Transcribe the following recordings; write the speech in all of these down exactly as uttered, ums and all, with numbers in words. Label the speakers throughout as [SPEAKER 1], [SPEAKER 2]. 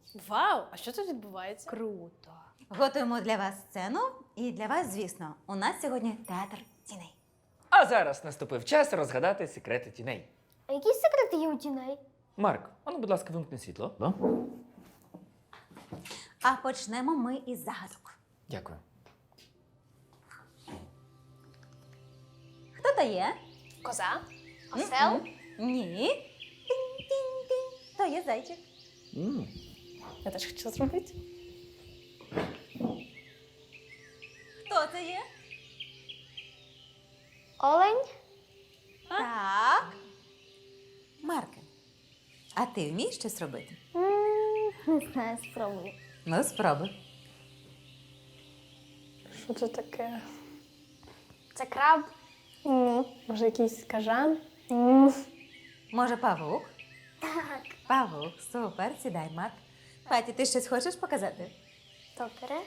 [SPEAKER 1] Вау! А що тут відбувається?
[SPEAKER 2] Круто.
[SPEAKER 3] Готуємо для вас сцену. І для вас, звісно, у нас сьогодні театр тіней.
[SPEAKER 4] А зараз наступив час розгадати секрети тіней.
[SPEAKER 5] А які секрети є у тіней?
[SPEAKER 4] Марк, а ну, будь ласка, вимкни світло. Да?
[SPEAKER 3] А почнемо ми із загадок.
[SPEAKER 4] Дякую.
[SPEAKER 3] Хто то є?
[SPEAKER 1] Коза?
[SPEAKER 5] Осел?
[SPEAKER 3] М-м. Ні. Тинь-тинь-тинь. То є зайчик.
[SPEAKER 4] М.
[SPEAKER 1] Я теж хочу зробити.
[SPEAKER 3] Хто це є?
[SPEAKER 5] Олень?
[SPEAKER 3] Так. Марке, а ти вмієш щось робити?
[SPEAKER 5] М, Не знаю, спробую.
[SPEAKER 3] Ну, спробуй.
[SPEAKER 1] Що це таке?
[SPEAKER 5] Це краб?
[SPEAKER 1] Ні. Може, якийсь кажан? Ні.
[SPEAKER 3] Може, павук?
[SPEAKER 5] Так.
[SPEAKER 3] Павук, супер, сідай, Марк. Паті, ти щось хочеш показати?
[SPEAKER 5] Добре.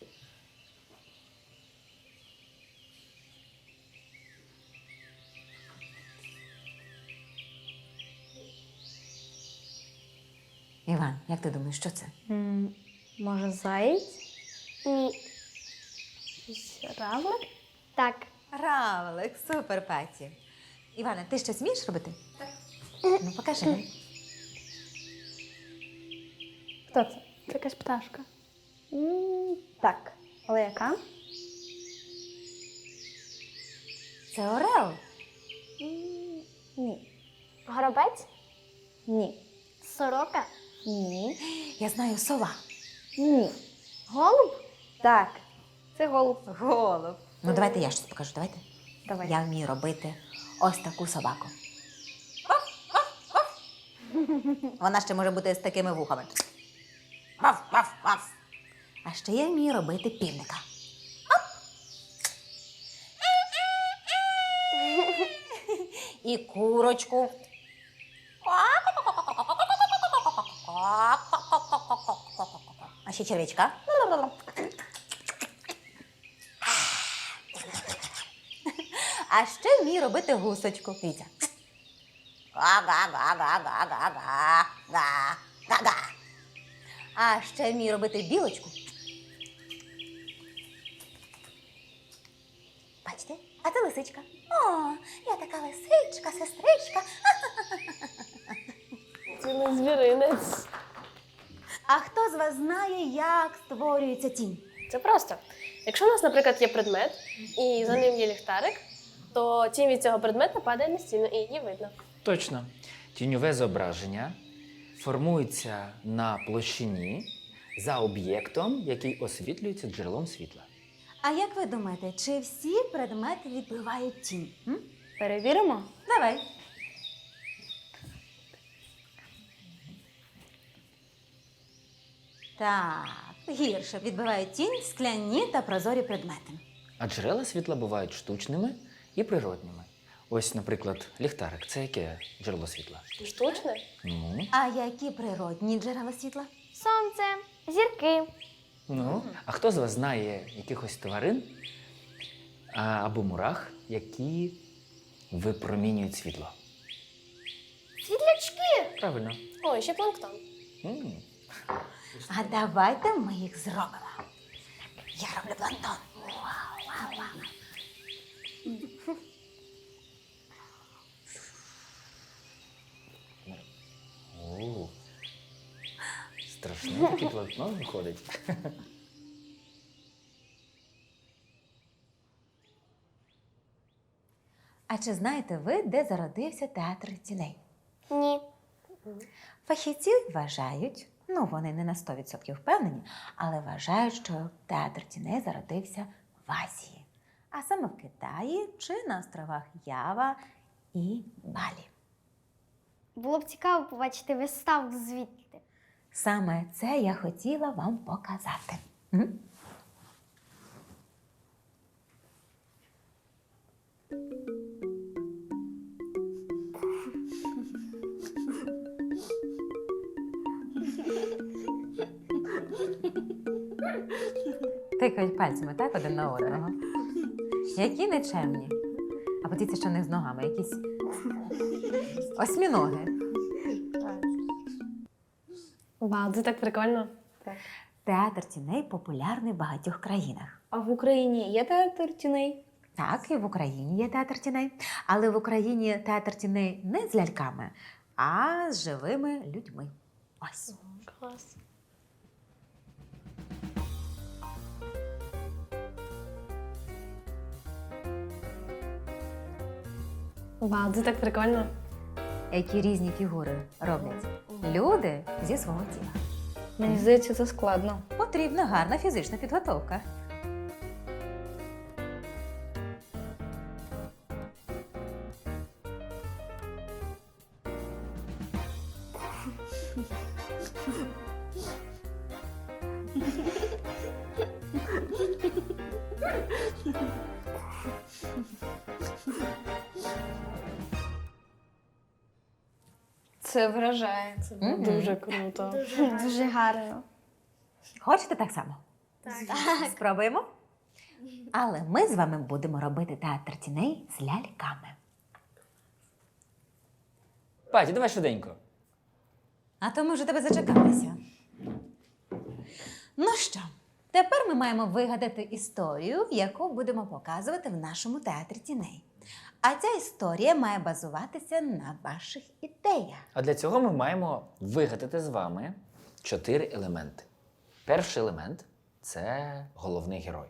[SPEAKER 3] Іван, як ти думаєш, що це?
[SPEAKER 1] Може, заєць?
[SPEAKER 5] Ні.
[SPEAKER 1] Якийсь равлик?
[SPEAKER 5] Так.
[SPEAKER 3] Равлик, супер, Паті. Іване, ти щось вмієш робити? Так. Ну, покажи.
[SPEAKER 1] Хто це? Це якась пташка. М, Так. Але яка?
[SPEAKER 3] Це орел.
[SPEAKER 1] М, Ні.
[SPEAKER 5] Горобець?
[SPEAKER 1] Ні.
[SPEAKER 5] Сорока?
[SPEAKER 1] Ні.
[SPEAKER 3] Я знаю, сова.
[SPEAKER 1] Ні.
[SPEAKER 5] Голуб?
[SPEAKER 1] Так. Це голуб.
[SPEAKER 3] Голуб. Ну, давайте я щось покажу, давайте.
[SPEAKER 1] Давай.
[SPEAKER 3] Я вмію робити ось таку собаку. Вона ще може бути з такими вухами. Ваф, ваф, ваф. А ще я вмію робити півника. І курочку. А ще червячка. А ще вмію робити гусочку. Дивіться. Га-га-га-га-га-га-га-га. А ще вмію робити білочку. Бачите? А це лисичка. О, я така лисичка, сестричка.
[SPEAKER 1] Цілий звіринець.
[SPEAKER 3] А хто з вас знає, як створюється тінь?
[SPEAKER 1] Це просто. Якщо у нас, наприклад, є предмет, і за ним є ліхтарик, то тінь від цього предмета падає на стіну, і її видно.
[SPEAKER 4] Точно. Тіньове зображення формується на площині за об'єктом, який освітлюється джерелом світла.
[SPEAKER 3] А як ви думаєте, чи всі предмети відбивають тінь? М?
[SPEAKER 1] Перевіримо.
[SPEAKER 3] Давай. Так, гірше відбивають тінь скляні та прозорі предмети.
[SPEAKER 4] А джерела світла бувають штучними і природніми. Ось, наприклад, ліхтарик. Це яке джерело світла?
[SPEAKER 1] Штучне?
[SPEAKER 4] Ну,
[SPEAKER 3] А які природні джерела світла?
[SPEAKER 5] Сонце? Зірки?
[SPEAKER 4] ну. А хто з вас знає якихось тварин а, або мурах, які випромінюють світло?
[SPEAKER 5] Світлячки?
[SPEAKER 4] Правильно.
[SPEAKER 1] О, і ще планктон.
[SPEAKER 4] М.
[SPEAKER 3] А давайте ми їх зробимо. Я роблю планктон. Вау, вау, вау.
[SPEAKER 4] О, страшний такий планктон виходить.
[SPEAKER 3] А чи знаєте ви, де зародився театр тіней?
[SPEAKER 5] Ні.
[SPEAKER 3] Фахівці вважають, ну вони не на сто відсотків впевнені, але вважають, що театр тіней зародився в Азії, а саме в Китаї чи на островах Ява і Балі.
[SPEAKER 5] Було б цікаво побачити виставу звідти.
[SPEAKER 3] Саме це я хотіла вам показати. М? Тикають пальцями, так, один на одного. Які нечемні. А подивіться, що в них з ногами якісь осьміноги.
[SPEAKER 1] Вау, це так прикольно.
[SPEAKER 3] Театр тіней популярний в багатьох країнах.
[SPEAKER 2] А в Україні є театр тіней?
[SPEAKER 3] Так, і в Україні є театр тіней. Але в Україні театр тіней не з ляльками, а з живими людьми. Ось.
[SPEAKER 1] Клас. Вау, це так прикольно.
[SPEAKER 3] Які різні фігури роблять люди зі свого тіла.
[SPEAKER 2] Мені здається, це складно.
[SPEAKER 3] Потрібна гарна фізична підготовка.
[SPEAKER 2] Це вражає.
[SPEAKER 1] Це
[SPEAKER 3] Мгм.
[SPEAKER 1] дуже круто.
[SPEAKER 5] Дуже гарно.
[SPEAKER 3] Хочете так само? Так. Спробуємо? Але ми з вами будемо робити театр тіней з ляльками.
[SPEAKER 4] Паті, давай швиденько.
[SPEAKER 3] А то ми вже тебе зачекалися. Ну що, тепер ми маємо вигадати історію, яку будемо показувати в нашому театрі тіней. А ця історія має базуватися на ваших ідеях.
[SPEAKER 4] А для цього ми маємо вигадати з вами чотири елементи. Перший елемент це головний герой.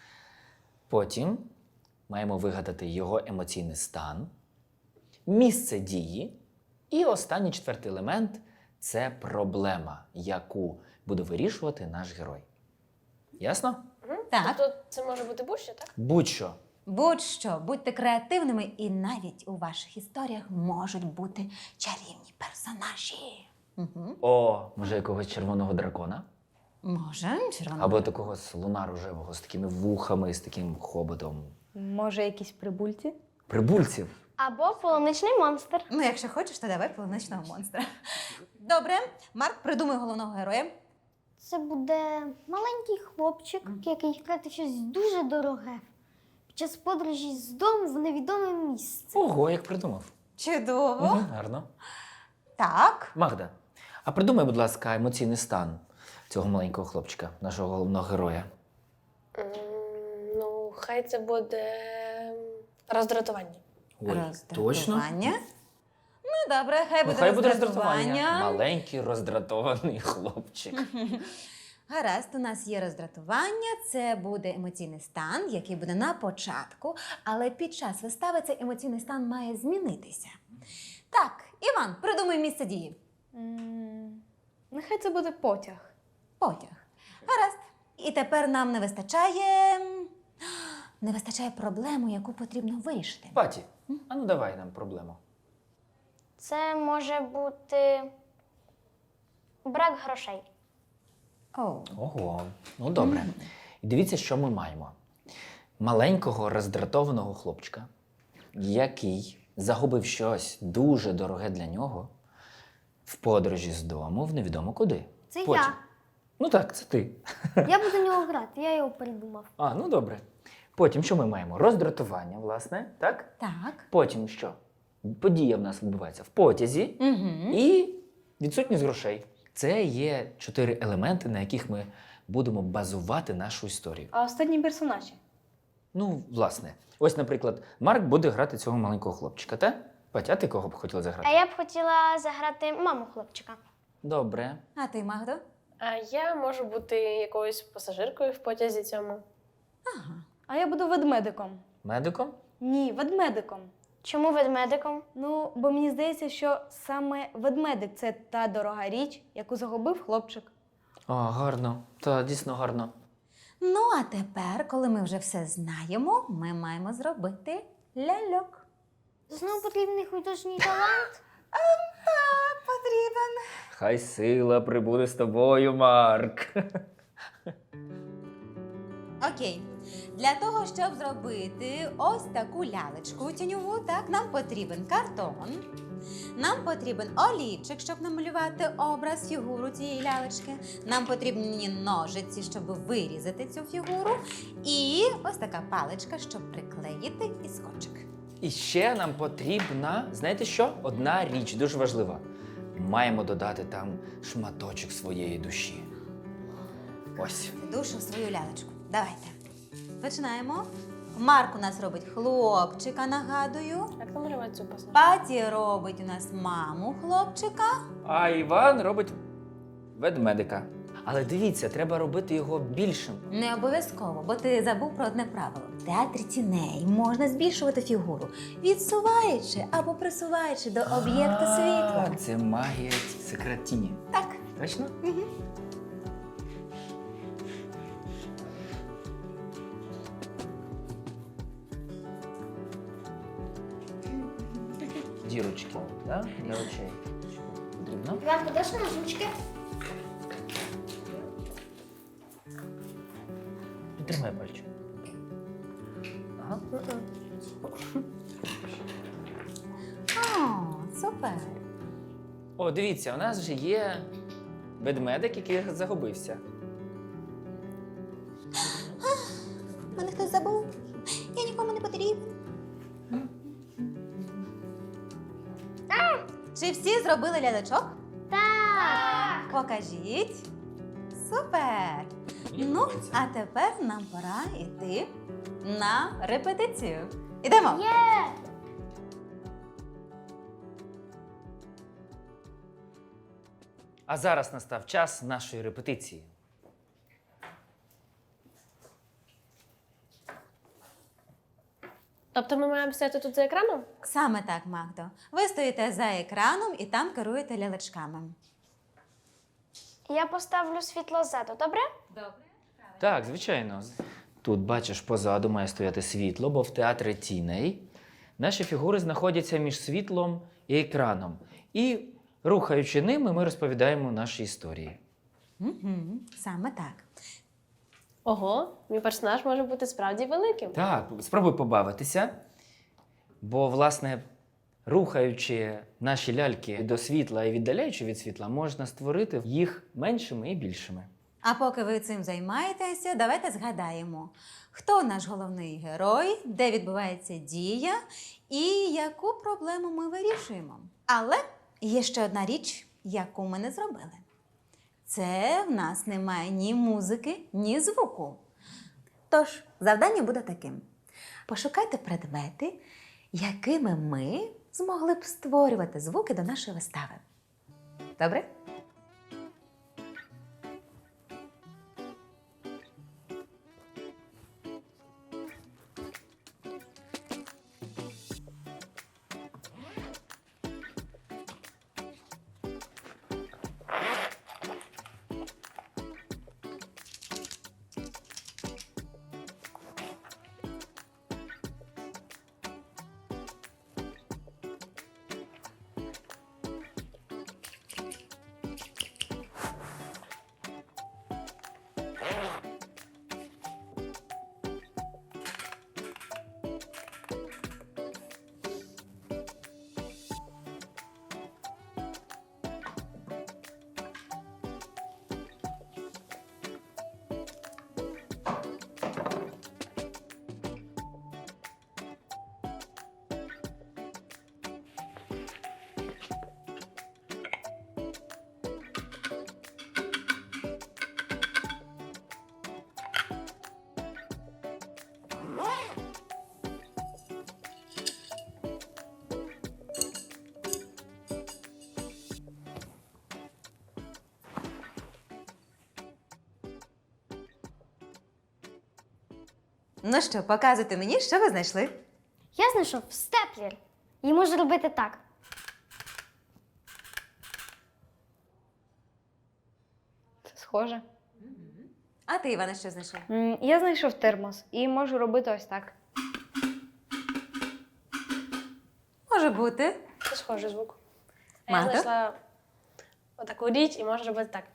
[SPEAKER 4] Потім маємо вигадати його емоційний стан, місце дії. І останній четвертий елемент це проблема, яку буде вирішувати наш герой. Ясно?
[SPEAKER 3] Так.
[SPEAKER 1] Тобто це може бути будь-що, так?
[SPEAKER 4] Будь-що.
[SPEAKER 3] Будь-що, будьте креативними, і навіть у ваших історіях можуть бути чарівні персонажі. Угу.
[SPEAKER 4] О, може, якогось червоного дракона?
[SPEAKER 3] Може, червоного.
[SPEAKER 4] Або такого слона рожевого з такими вухами, з таким хоботом.
[SPEAKER 2] Може, якісь прибульці?
[SPEAKER 4] Прибульців.
[SPEAKER 5] Або полуничний монстр.
[SPEAKER 3] Ну, якщо хочеш, то давай полуничного монстра. Добре, Марк, придумай головного героя.
[SPEAKER 5] Це буде маленький хлопчик, який втратив щось дуже дороге. Під час подорожі з дому в невідоме місце.
[SPEAKER 4] Ого, як придумав.
[SPEAKER 3] Чудово.
[SPEAKER 4] Угу, гарно.
[SPEAKER 3] Так.
[SPEAKER 4] Магда, а придумай, будь ласка, емоційний стан цього маленького хлопчика, нашого головного героя.
[SPEAKER 1] М, Ну, хай це буде роздратування.
[SPEAKER 4] Ой, точно?
[SPEAKER 3] Роздратування. Ну, добре, хай
[SPEAKER 4] Ну,
[SPEAKER 3] буде
[SPEAKER 4] хай буде
[SPEAKER 3] роздратування.
[SPEAKER 4] роздратування. Маленький роздратований хлопчик.
[SPEAKER 3] Гаразд, у нас є роздратування, це буде емоційний стан, який буде на початку, але під час вистави цей емоційний стан має змінитися. Так, Іван, придумай місце дії.
[SPEAKER 2] М, Нехай це буде потяг.
[SPEAKER 3] Потяг. Гаразд. І тепер нам не вистачає. Не вистачає проблему, яку потрібно вирішити.
[SPEAKER 4] Паті, а ну давай нам проблему.
[SPEAKER 5] Це може бути брак грошей.
[SPEAKER 3] О.
[SPEAKER 4] Ого, ну добре. І дивіться, що ми маємо. Маленького роздратованого хлопчика, який загубив щось дуже дороге для нього в подорожі з дому в невідомо куди.
[SPEAKER 5] Це
[SPEAKER 4] Потім.
[SPEAKER 5] я.
[SPEAKER 4] Ну так, це ти.
[SPEAKER 5] Я буду нього грати, я його придумав.
[SPEAKER 4] А, ну добре. Потім що ми маємо? Роздратування, власне, так?
[SPEAKER 3] Так.
[SPEAKER 4] Потім що? Подія в нас відбувається в потязі
[SPEAKER 3] Угу.
[SPEAKER 4] і відсутність грошей. Це є чотири елементи, на яких ми будемо базувати нашу історію.
[SPEAKER 2] А останні персонажі?
[SPEAKER 4] Ну, власне, ось, наприклад, Марк буде грати цього маленького хлопчика, так? Патя, а ти кого б хотіла заграти?
[SPEAKER 5] А я б хотіла заграти маму хлопчика.
[SPEAKER 4] Добре.
[SPEAKER 3] А ти, Магдо?
[SPEAKER 1] А я можу бути якоюсь пасажиркою в потязі цьому.
[SPEAKER 3] Ага.
[SPEAKER 2] А я буду ведмедиком.
[SPEAKER 4] Медиком?
[SPEAKER 2] Ні, ведмедиком.
[SPEAKER 5] Чому ведмедиком?
[SPEAKER 2] Ну, бо мені здається, що саме ведмедик це та дорога річ, яку загубив хлопчик.
[SPEAKER 4] О, гарно. Та, дійсно гарно.
[SPEAKER 3] Ну, а тепер, коли ми вже все знаємо, ми маємо зробити ляльок.
[SPEAKER 5] Знову потрібний художній талант.
[SPEAKER 3] Так, потрібен.
[SPEAKER 4] Хай сила прибуде з тобою, Марк.
[SPEAKER 3] Окей. Для того, щоб зробити ось таку лялечку тіньову, так, нам потрібен картон, нам потрібен олівчик, щоб намалювати образ, фігуру цієї лялечки, нам потрібні ножиці, щоб вирізати цю фігуру, і ось така паличка, щоб приклеїти і скотчик.
[SPEAKER 4] І ще нам потрібна, знаєте що? Одна річ дуже важлива. маємо додати там шматочок своєї душі. Ось.
[SPEAKER 3] Душу в свою лялечку. Давайте. Починаємо. Марк у нас робить хлопчика, нагадую.
[SPEAKER 1] Як намалювати цю посадку?
[SPEAKER 3] Паті робить у нас маму хлопчика.
[SPEAKER 4] А Іван робить ведмедика. Але дивіться, треба робити його більшим.
[SPEAKER 3] Не обов'язково, бо ти забув про одне правило. В театрі тіней можна збільшувати фігуру, відсуваючи або присуваючи до об'єкта
[SPEAKER 4] А,
[SPEAKER 3] світла.
[SPEAKER 4] Це магія секрет тіні.
[SPEAKER 3] Так.
[SPEAKER 4] Точно? Дірочки, да? Для очей. Потрібно?
[SPEAKER 5] Іван, подаш на ручки?
[SPEAKER 4] Підтримай пальчик. Ага.
[SPEAKER 3] О, супер.
[SPEAKER 4] О, дивіться, у нас вже є ведмедик, який загубився.
[SPEAKER 3] Мене хтось забув. Я нікому не потрібен. Чи всі зробили лялечок?
[SPEAKER 5] Так.
[SPEAKER 3] Покажіть. Супер! Ну, а тепер нам пора йти на репетицію. Ідемо!
[SPEAKER 5] Є!
[SPEAKER 4] А зараз настав час нашої репетиції.
[SPEAKER 1] Тобто ми маємо стояти тут за екраном?
[SPEAKER 3] Саме так, Магдо. Ви стоїте за екраном і там керуєте лялечками.
[SPEAKER 5] Я поставлю світло ззаду, добре?
[SPEAKER 4] Так, звичайно. Тут, бачиш, позаду має стояти світло, бо в театрі тіней наші фігури знаходяться між світлом і екраном. І, рухаючи ними, ми розповідаємо наші історії.
[SPEAKER 3] Угу, саме так.
[SPEAKER 1] Ого, мій персонаж може бути справді великим.
[SPEAKER 4] Так, спробуй побавитися, бо, власне, рухаючи наші ляльки до світла і віддаляючи від світла, можна створити їх меншими і більшими.
[SPEAKER 3] А поки ви цим займаєтеся, давайте згадаємо, хто наш головний герой, де відбувається дія і яку проблему ми вирішуємо. Але є ще одна річ, яку ми не зробили. Це в нас немає ні музики, ні звуку. Тож, завдання буде таким. Пошукайте предмети, якими ми змогли б створювати звуки до нашої вистави. Добре? Ну що, показуйте мені, що ви знайшли.
[SPEAKER 5] Я знайшов степлер. І можу робити так.
[SPEAKER 2] Це схоже.
[SPEAKER 3] А ти, Іване, що знайшов?
[SPEAKER 2] М, Я знайшов термос і можу робити ось так.
[SPEAKER 3] Може бути.
[SPEAKER 1] Це схожий звук. А
[SPEAKER 3] Мато?
[SPEAKER 1] я знайшла отаку річ і можу робити так.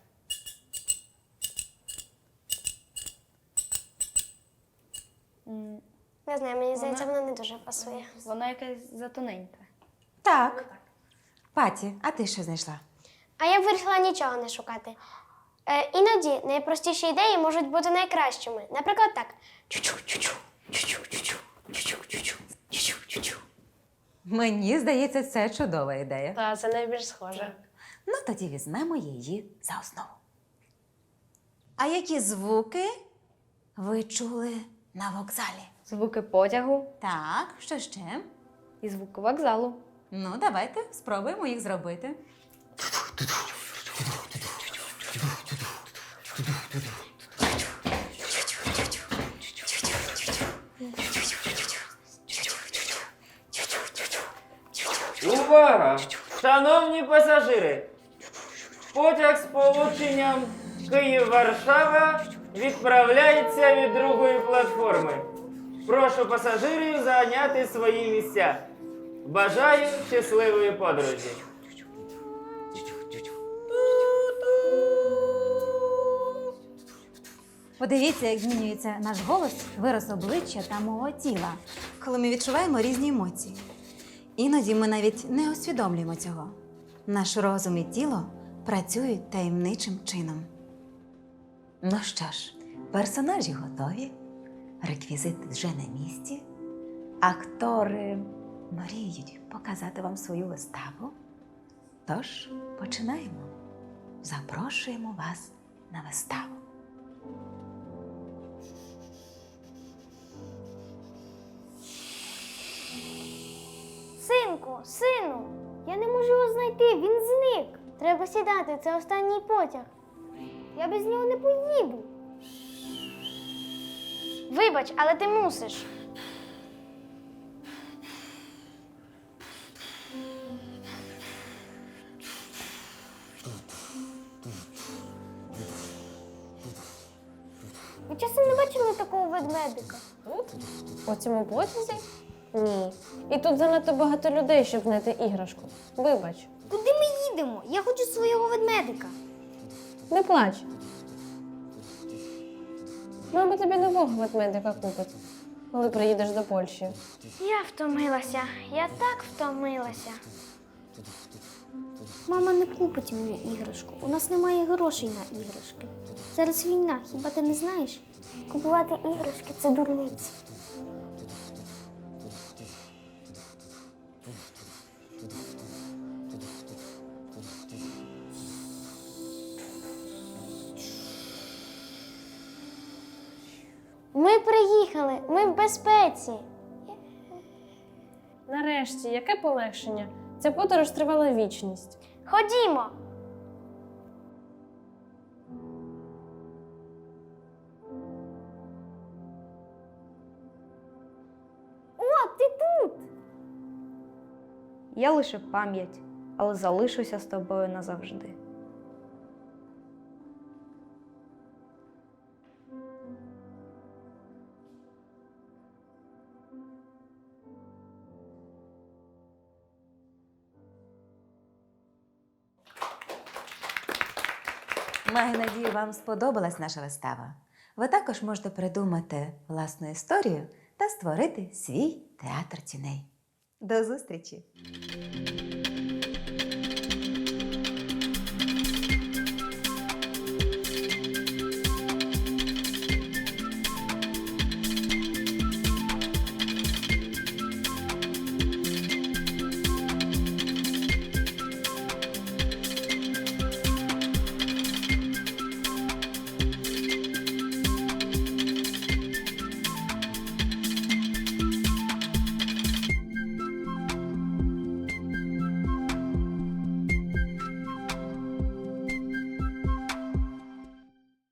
[SPEAKER 2] М,
[SPEAKER 5] Не знаю, мені здається, вона не дуже пасує.
[SPEAKER 2] Вона якась затоненька.
[SPEAKER 3] Так. Паті, а ти що знайшла?
[SPEAKER 5] А я вирішила нічого не шукати. Е, іноді найпростіші ідеї можуть бути найкращими. Наприклад, так. Чу-чу-чу-чу, чу-чу-чу-чу, чу-чу-чу-чу, чу-чу-чу-чу.
[SPEAKER 3] Мені здається, це чудова ідея.
[SPEAKER 1] Та це найбільш схоже.
[SPEAKER 3] Ну, тоді візьмемо її за основу. А які звуки ви чули на вокзалі?
[SPEAKER 2] Звуки потягу
[SPEAKER 3] Так, що ще?
[SPEAKER 2] і звуки вокзалу.
[SPEAKER 3] Ну, давайте спробуємо їх зробити.
[SPEAKER 6] Увага! Шановні пасажири! Потяг з полученням Київ-Варшава відправляється від другої платформи. Прошу пасажирів зайняти свої місця. Бажаю щасливої подорожі.
[SPEAKER 3] Подивіться, як змінюється наш голос, вираз обличчя та мого тіла, коли ми відчуваємо різні емоції. Іноді ми навіть не усвідомлюємо цього. Наш розум і тіло працюють таємничим чином. Ну що ж, персонажі готові, реквізити вже на місці, актори мріють показати вам свою виставу. Тож починаємо. Запрошуємо вас на виставу.
[SPEAKER 5] Синку, сину, я не можу його знайти, він зник. Треба сідати, це останній потяг. Я без нього не поїду. Вибач, але ти мусиш. Ви часом не бачили такого ведмедика?
[SPEAKER 1] Тут? У цьому потязі? Ні. І тут занадто багато людей, щоб знайти іграшку. Вибач.
[SPEAKER 5] Куди ми їдемо? Я хочу свого ведмедика.
[SPEAKER 1] Не плач. Мама тобі нового ведмедика купить, коли приїдеш до Польщі.
[SPEAKER 5] Я втомилася. Я так втомилася. Мама не купить мені іграшку. У нас немає грошей на іграшки. Зараз війна, хіба ти не знаєш? Купувати іграшки це дурниці. Ми приїхали, ми в безпеці.
[SPEAKER 1] Нарешті, яке полегшення? Ця подорож тривала вічність.
[SPEAKER 5] Ходімо. О, ти тут!
[SPEAKER 2] Я лише пам'ять, але залишуся з тобою назавжди.
[SPEAKER 3] Маю надію, вам сподобалась наша вистава. Ви також можете придумати власну історію та створити свій театр тіней. До зустрічі!